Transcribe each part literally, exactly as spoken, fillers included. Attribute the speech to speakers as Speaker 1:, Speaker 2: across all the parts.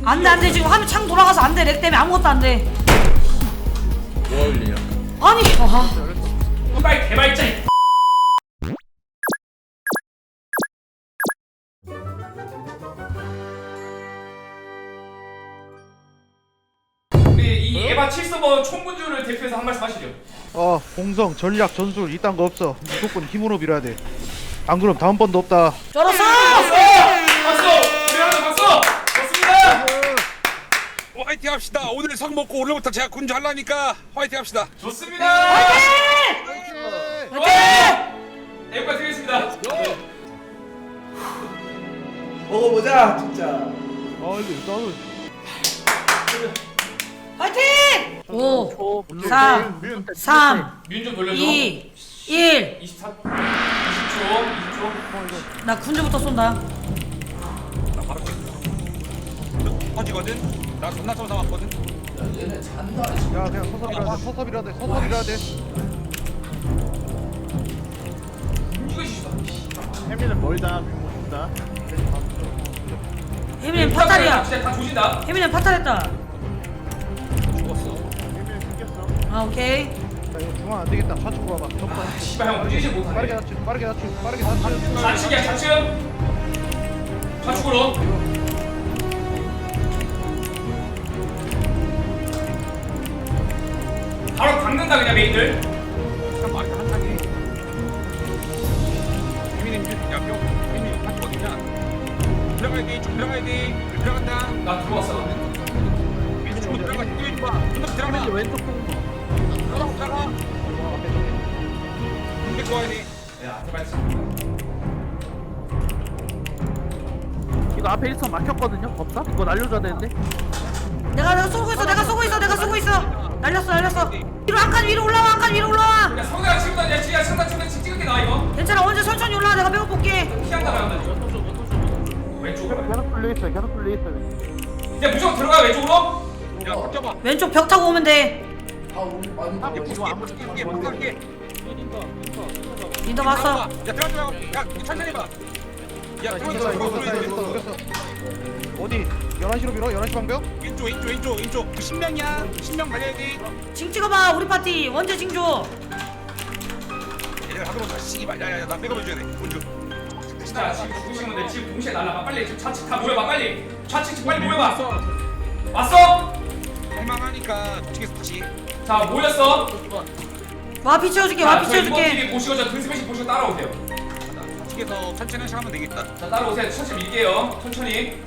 Speaker 1: 안돼 안돼 지금 화면 창 돌아가서 안돼 렉 때문에 아무것도 안돼.
Speaker 2: 뭐가 울리냐?
Speaker 1: 아니 아.
Speaker 2: 빨리 개발자. 우리 이 에바 칠 서버 총군주를 대표해서 한 말씀 하시죠.
Speaker 3: 어 공성 전략 전술 이딴 거 없어. 무조건 힘으로 밀어야 돼. 안 그럼 다음번도 없다.
Speaker 1: 쩔었어.
Speaker 2: 박수! 우리 하나 박수! 좋습니다.
Speaker 4: 화이팅 합시다. 오늘 성 먹고 오늘부터 제가 군주 하려니까 화이팅 합시다.
Speaker 2: 좋습니다.
Speaker 1: 화이팅!
Speaker 2: 에바 드리겠습니다.
Speaker 5: 먹어보자 진짜.
Speaker 3: 아 이거 나도
Speaker 1: 화이팅! 오, 삼, 삼,
Speaker 2: 뮨 좀 돌려줘.
Speaker 1: 이, 일.
Speaker 2: 이십사, 이십 초, 이십 초.
Speaker 1: 나 군주부터 쏜다.
Speaker 4: 나 바로 터지거든. 나 존나 쏘서 왔거든.
Speaker 5: 얘네 잔다.
Speaker 3: 야 그냥 서서 밀어야 돼. 서서 밀어야 돼. 서서 밀어야 돼.
Speaker 2: 이거 있어.
Speaker 3: 혜민은 멀다. 못
Speaker 1: 혜민이 파탈이야.
Speaker 2: 진짜 다 조진다.
Speaker 1: 혜민이 파탈했다.
Speaker 4: 죽었어.
Speaker 1: 아 오케이.
Speaker 3: 자 이거 중앙 안 되겠다. 좌측으로 와봐.
Speaker 2: 아,
Speaker 3: 접근.
Speaker 2: 씨발 형 움직이지
Speaker 3: 빠르게
Speaker 2: 못하네.
Speaker 3: 낮추. 빠르게 낮추. 빠르게 낮추.
Speaker 2: 좌측이야, 좌측. 좌측으로. 바로 박는다 그냥 메인들.
Speaker 4: 참 말이 한 칸이. 혜민이 야 뿅. 혜민이 다시 어디냐? 들어가야 돼. 좀 들어가야 돼. 들어간다.
Speaker 2: 나 들어왔어.
Speaker 4: 혜민이 좀 들어가. 뛰어지 마. 좀 들어가. 왼쪽 들어가. 들어가. 이렇게 와야 돼.
Speaker 2: 야, 제발.
Speaker 6: 이거 앞에 일선 막혔거든요. 법사? 이거 날려줘야 되는데.
Speaker 1: 내가 내가 쏘고 있어. 내가 쏘고 있어. 내가 쏘고 있어. 날렸어 날렸어. 위로 한 칸 위로 올라와 한 칸 위로 올라와.
Speaker 2: 야, 성대가 지금 나, 야, 지금 성대 지금 찍을게 나 이거.
Speaker 1: 괜찮아 언제 천천히 올라와. 내가 배고 볼게.
Speaker 2: 피한다 말한다. 왼쪽으로.
Speaker 6: 계속 뚫려 있어요. 계속 뚫려 있어요.
Speaker 2: 이제 무조건 들어가 왼쪽으로.
Speaker 4: 야, 덮쳐봐.
Speaker 1: 왼쪽 벽 타고 오면 돼.
Speaker 5: 아 우리 많이
Speaker 4: 야, 부수게, 부수게, 부수게.
Speaker 1: 민더 봤어.
Speaker 4: 야, 들어가지 말고. 야, 천천히 봐. 야,
Speaker 3: 이겼어
Speaker 4: 들어가지
Speaker 3: 이겼어
Speaker 4: 말고.
Speaker 3: 이겼어 이겼어. 어디? 열한 시로 밀어. 열한 시 방벽.
Speaker 4: 왼쪽, 왼쪽, 왼쪽, 왼쪽. 신명이야. 신명 달려야 돼.
Speaker 1: 징 찍어봐 우리 파티. 원제 징조.
Speaker 4: 얘들 하도록 다 씨발. 야, 야, 야, 나 백업 해줘야 돼. 군주.
Speaker 2: 자, 지금 죽으시면 돼. 지금 동시에 날라가. 빨리 지금 좌측 다 모여봐. 빨리. 좌측 빨리 모여봐. 왔어?
Speaker 4: 할만하니까 저쪽에서 다시.
Speaker 2: 자, 모였어.
Speaker 1: 와피 채워줄게.
Speaker 2: 자,
Speaker 1: 와피
Speaker 2: 저희 이번
Speaker 1: 채워줄게.
Speaker 2: 팀이 보시고 저 등스매시 보시고 따라오세요.
Speaker 4: 저쪽에서 천천히 하시 하면 되겠다.
Speaker 2: 자, 따라오세요. 천천히 밀게요. 천천히.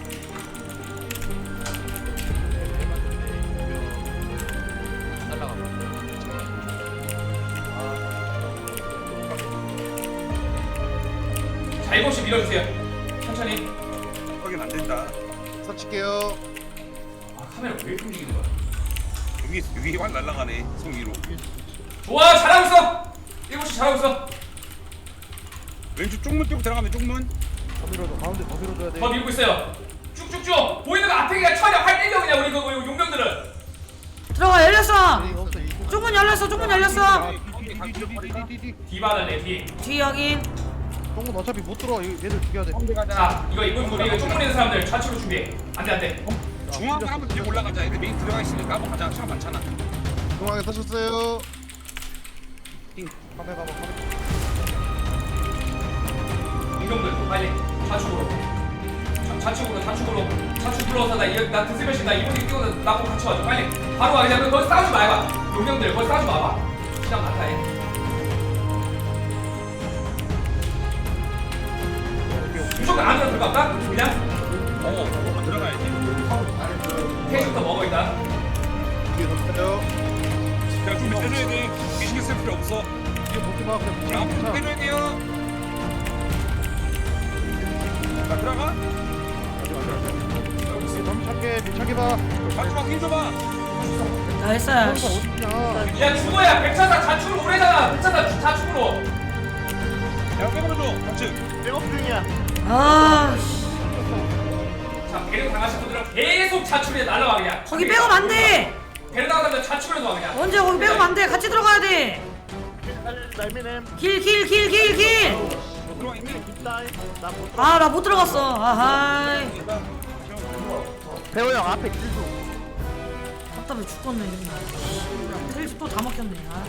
Speaker 2: 자, 일곱 시 밀어주세요. 천천히.
Speaker 4: 확인 안 된다.
Speaker 3: 서칠게요.
Speaker 2: 아, 카메라 왜 이렇게 움직이는 거야?
Speaker 4: 여기 여기 확 날아가네. 성 위로.
Speaker 2: 좋아, 잘하고 있어. 일곱 시 잘하고 있어.
Speaker 4: 왼쪽 쪽문 뚫고 들어가면 쪽문.
Speaker 3: 더 밀어줘. 가운데 더 밀어줘야 돼.
Speaker 2: 더 밀고 있어요. 쭉쭉쭉. 보이는 거 앞에 그냥 쳐려. 활 때려 그냥 우리 그 용병들은.
Speaker 1: 들어가 열렸어.
Speaker 3: 에이, 없어, 이거.
Speaker 1: 쪽문 열렸어. 쪽문 열렸어.
Speaker 3: 아, 뒤, 뒤, 뒤, 뒤, 뒤, 뒤, 뒤.
Speaker 2: 디바다네 디.
Speaker 1: 뒤 여긴.
Speaker 3: 똥은 어차피 못 들어. 이거 얘들 죽여야 돼.
Speaker 2: 자, 이거 이번 우리 이거 쪽문 있는 사람들 좌측으로 준비해. 안돼 안돼.
Speaker 4: 중앙으로 한번 뒤에 올라가자. 애들 메인 들어가 있으니까 한번 가자. 시간 많잖아.
Speaker 3: 중앙에 서셨어요. 카메라 가봐.
Speaker 2: 용병들 빨리 좌측으로. 좌- 좌측으로 좌측으로 좌측 불러서 나 이거 나 드스매시 나 이번에 뛰어서 나보고 같이 와줘 빨리. 바로 와 그냥 거기 싸우지 말봐. 용병들 거기 싸우지 마봐. 시간 많다 해. 무조건 안으로 들어갈까? 그냥
Speaker 4: 어, 들어가야지.
Speaker 2: 캐릭터 먹어 일단.
Speaker 3: 뒤에 서세요.
Speaker 4: 야, 좀 해줘야 돼. 신경 쓸 필요 없어.
Speaker 3: 뒤에 보지 마. 그냥
Speaker 4: 야,
Speaker 3: 붙여.
Speaker 4: 좀 해줘야 돼요. 자, 들어가.
Speaker 3: 너무 착해. 밀착해 봐.
Speaker 4: 마지막 힘 줘봐.
Speaker 1: 다 했어요.
Speaker 3: 어디 있냐?
Speaker 2: 야 죽어야 백차사 좌측으로 오래잖아. 백차사 좌측으로.
Speaker 4: 야, 빼버려줘. 좌측.
Speaker 3: 백업 중이야.
Speaker 1: 아 씨.
Speaker 2: 자 배려 당하신 분들은 계속 좌측에 날라와 그냥.
Speaker 1: 거기 백업 안 돼.
Speaker 2: 배려 당하면 좌측으로 와 그냥.
Speaker 1: 언제 거기 백업 안 돼. 같이 들어가야 돼. 길 길 길 길 길.
Speaker 4: 들어와 있네.
Speaker 1: 아 나 못 들어갔어. 아하이.
Speaker 6: 배호 형 앞에 킬도.
Speaker 1: 답답해 죽겠네 정말. 텔지 또 다 먹혔네. 아.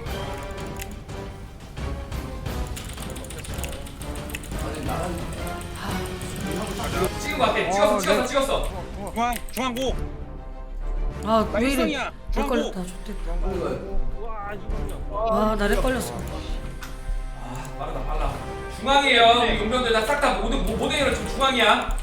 Speaker 5: 아니 나는
Speaker 2: 찍은 거 같아. 찍었어, 찍었어, 찍었어.
Speaker 4: 중앙 중앙고.
Speaker 1: 아, 왜 이래?
Speaker 4: 일성이야.
Speaker 1: 렉
Speaker 4: 중앙고.
Speaker 1: 걸렸다. 좋댔다.
Speaker 5: 빨리 가요.
Speaker 1: 아, 나 렉 걸렸어.
Speaker 2: 아, 빠르다, 빨라. 중앙이에요. 우리 용병들 다 싹 다 모든 모든 애들 지금 중앙이야.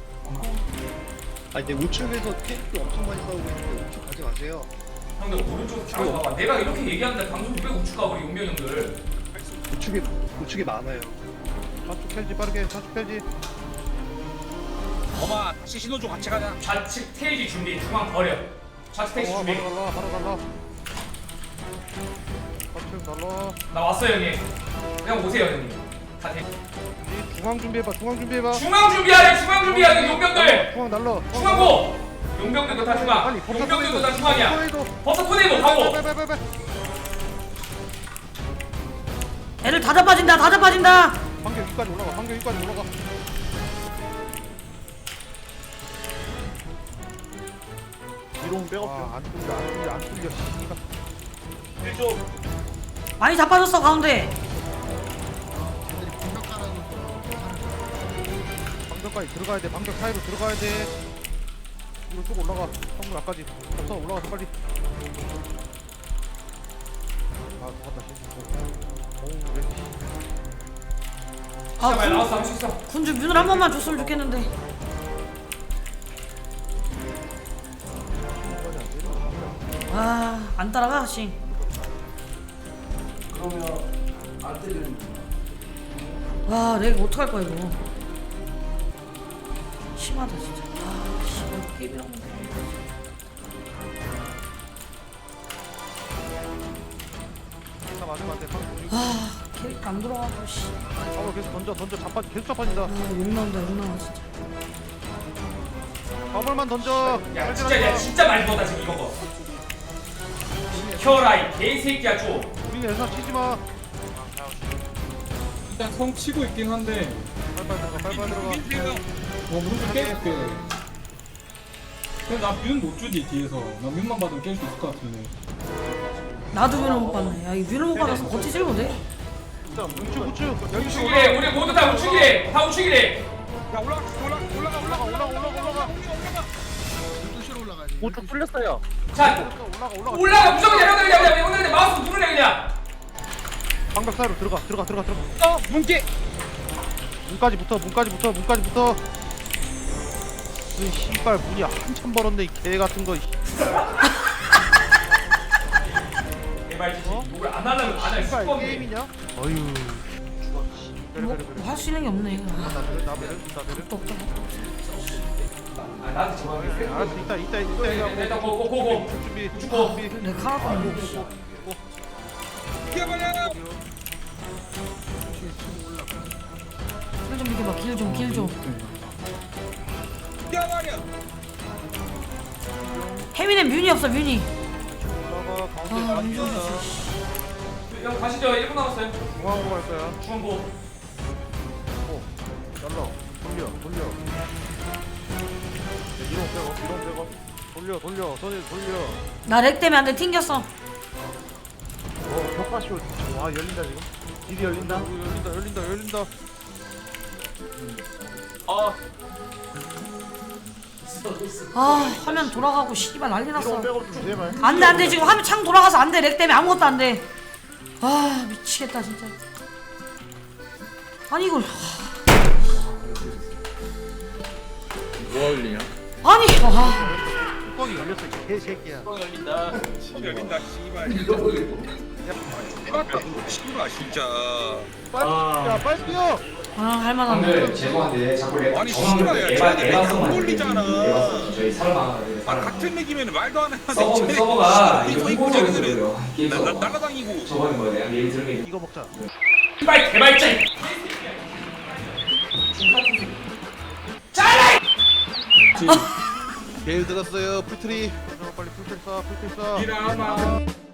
Speaker 7: 아니 근데 우측에서 탱크 엄청 많이 싸우고 있는데 우측 가지 마세요.
Speaker 2: 형들 오른쪽 잘 봐봐. 내가 이렇게 얘기하는데 방송 왜 우측 가 우리 용병 형들.
Speaker 7: 우측에 우측에 많아요.
Speaker 3: 좌측 텔지 빠르게 좌측 텔지.
Speaker 4: 엄마 다시 신호조 같이 가자.
Speaker 2: 좌측 테이지 준비. 중앙 버려. 좌측 테이지
Speaker 3: 어,
Speaker 2: 준비.
Speaker 3: 바로 갈라 바로 갈라. 좌측 갈라.
Speaker 2: 나 왔어요 형님. 그냥 오세요 형님. 다 돼.
Speaker 3: 이 중앙 준비해봐 중앙 준비해봐.
Speaker 2: 중앙 준비하래. 중앙 준비하래 용병들.
Speaker 3: 중앙 날라.
Speaker 2: 중앙고. 용병들도 다 중앙.
Speaker 3: 빨리 법사
Speaker 2: 용병들도 다
Speaker 3: 토네이도.
Speaker 2: 중앙이야.
Speaker 3: 토네이도.
Speaker 2: 법사 토네이모 가고.
Speaker 3: 빨빨빨빨.
Speaker 1: 애들 다 잡아진다. 다 잡아진다.
Speaker 3: 반경 위까지 올라가 반경 위까지 올라가.
Speaker 7: 이동 백업
Speaker 3: 아, 안 뚫려 안 뚫려 안 뚫려. 씨발.
Speaker 1: 많이 잡아줬어 가운데.
Speaker 3: 방벽까지 들어가야 돼. 방벽 사이로 들어가야 돼. 이거 쭉 올라가. 성물 앞까지. 없어 올라가서 빨리. 아, 죽었다. 씨. 어우, 왜?
Speaker 2: 진짜
Speaker 1: 아,
Speaker 2: 많이
Speaker 1: 군,
Speaker 2: 나왔어. 할수 있어.
Speaker 1: 군주 뮤을 한 번만 줬으면 좋겠는데. 아, 안 따라가, 씨.
Speaker 5: 그러면 안 때리는
Speaker 1: 와, 렉 어떡할 거야, 이거. 심하다, 진짜. 아, 씨, 게임이랑 건데.
Speaker 3: 다 맞으면 안 돼. 방
Speaker 1: 아, 캐릭터 안 돌아가고, 씨.
Speaker 3: 어, 계속 던져 던져 자빠 계속 자빠진다.
Speaker 1: 아, 욕 나온다, 욕 나와, 진짜.
Speaker 3: 화물만 던져.
Speaker 2: 야 진짜 야 진짜 많이 먹었다 지금 이거 거. 켜라이 개새끼야 좀.
Speaker 3: 우리 애사 치지 마.
Speaker 8: 일단 성 치고 있긴 한데
Speaker 3: 빨빨 들어가 빨빨 들어가.
Speaker 4: 민주요.
Speaker 8: 뭐 무슨 깨줄게. 근데 나 뮤는 못 주지 뒤에서. 나 뮤만 받으면 깰 수 있을 것 같은데.
Speaker 1: 나도 뮤를 못 받네. 야, 이 뮤를 못 받아서 버티질 못해.
Speaker 3: 우측 우측. 여기
Speaker 2: 우측이래 우리 모두 다 우측이래 다 우측이래.
Speaker 4: 야 올라가 올라가 올라가 올라가 올라가 올라가 올라가.
Speaker 6: 우측 뚫렸어요.
Speaker 2: 자
Speaker 3: 올라가 올라가.
Speaker 2: 올라가 무조건 내려 그냥 그냥 오늘 그냥 마우스 누르래 그냥.
Speaker 3: 방벽 사이로 들어가 들어가 들어가 들어가.
Speaker 4: 어 문깨.
Speaker 3: 문까지 붙어 문까지 붙어 문까지 붙어. 이 씨발 문이 한참 벌었네 이 개 같은 거.
Speaker 2: 개발지 목을 안 하려면 안할
Speaker 3: 씨발
Speaker 2: 수가 없네.
Speaker 3: 게임이냐? 어휴.
Speaker 1: 뭐, 뭐 할 수 있는 게 없네. 아,
Speaker 3: 나베르 나베르 나베르.
Speaker 1: 없다, 없다.
Speaker 2: 아 나한테 저거
Speaker 3: 알았어 이따 이따 이따 이따.
Speaker 2: 일단 고고고고.
Speaker 3: 준비
Speaker 2: 주고.
Speaker 3: 준비.
Speaker 1: 렉 하나도 안 돼.
Speaker 4: 뛰어버려.
Speaker 1: 길 좀 비켜봐, 길 좀, 길 좀.
Speaker 4: 뛰어버려.
Speaker 1: 혜민은 뮤니 없어, 뮤니.
Speaker 3: 올라가
Speaker 1: 아,
Speaker 3: 가운데
Speaker 1: 뮤니
Speaker 3: 가운데.
Speaker 1: 없어.
Speaker 2: 형 가시죠 일 분 남았어요.
Speaker 3: 중앙으로 갈 거야.
Speaker 2: 중앙고.
Speaker 3: 오, 날라. 돌려, 돌려. 이동 빼고, 이동 빼고. 돌려, 돌려, 돌려, 돌려.
Speaker 1: 나 렉 때문에 안 돼, 튕겼어.
Speaker 3: 어, 효과쇼. 와, 열린다 지금. 길이 열린다. 열린다, 열린다, 열린다.
Speaker 1: 아, 화면 돌아가고 씨발 난리 났어.
Speaker 3: 이동 빼고 좀 제발.
Speaker 1: 안 돼, 안 돼. 지금 화면 창 돌아가서 안 돼. 렉 때문에 아무것도 안 돼. 아, 미치겠다, 진짜. 아니, 이걸.
Speaker 7: 뭐가 열리냐?
Speaker 1: 아니, 와.
Speaker 3: 뚜껑이 열렸어, 이 개새끼야.
Speaker 4: 열린다 씨발. 씨발 진짜.
Speaker 3: 빨리, 야, 빨리 뛰어.
Speaker 1: 아, 할만한데.
Speaker 9: 형들 죄송한데 자꾸 내
Speaker 4: 아니,
Speaker 9: 정황을
Speaker 4: 씨발이야.
Speaker 9: 에바
Speaker 4: 쟤네
Speaker 9: 에바성
Speaker 4: 안 걸리잖아.
Speaker 9: 에바성 저희 살마
Speaker 4: 아 같은 맥이면 말도 안 해.
Speaker 9: 서버 서버가 이거
Speaker 4: 이거
Speaker 9: 홍보적인
Speaker 4: 자기들은
Speaker 9: 거예요. 게임
Speaker 4: 나- 나-
Speaker 9: 서버.
Speaker 4: 날아다니고.
Speaker 9: 저번에 뭐 내가 얘기 들은 게
Speaker 3: 이거 먹자.
Speaker 2: 빨리 개발자.
Speaker 7: 베일 들었어요 풀트리.
Speaker 3: 빨리 풀필 쏴, 풀필 쏴.
Speaker 8: 이라마.